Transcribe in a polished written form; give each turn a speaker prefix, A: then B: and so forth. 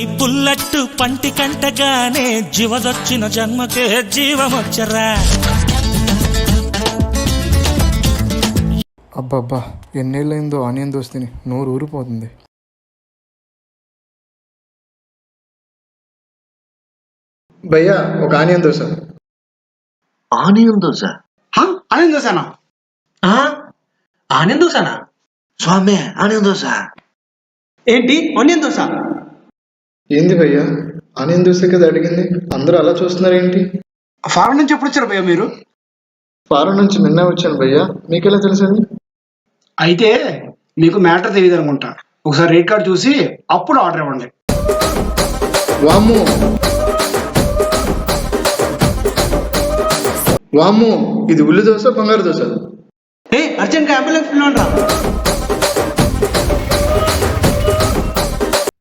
A: పుల్లట్టు పంటి కంటగానే జీవదొచ్చిన జన్మకే జీవమొచ్చరా.
B: అబ్బబ్బా ఎన్నేళ్ళైందో ఆనియన్ దోశ తిని నోరు ఊరిపోతుంది. భయ్యా ఒక onion dosa.
C: Onion dosa?
D: Onion దోశనా? ఆనియన్ దోశనా?
C: స్వామి ఆనియన్ దోశ
D: ఏంటి ఆనియన్ దోశ?
B: ఏంది భయ్యా ఆనియన్ దోశ కదా అడిగింది, అందరూ అలా చూస్తున్నారేంటి?
D: ఫారెన్ నుంచి ఎప్పుడు వచ్చారు భయ్యా మీరు?
B: ఫారెన్ నుంచి నిన్న వచ్చాను భయ్యా, మీకెలా తెలుసండి?
D: అయితే మీకు మ్యాటర్ తెలియదు అనుకుంటా. ఒకసారి రేట్ కార్డ్ చూసి అప్పుడు ఆర్డర్ ఇవ్వండి.
B: వాము వాము, ఇది ఉల్లి దోశ బంగారు దోశ?
D: అర్జెంట్గా అంబులెన్స్ పిలవండి రా.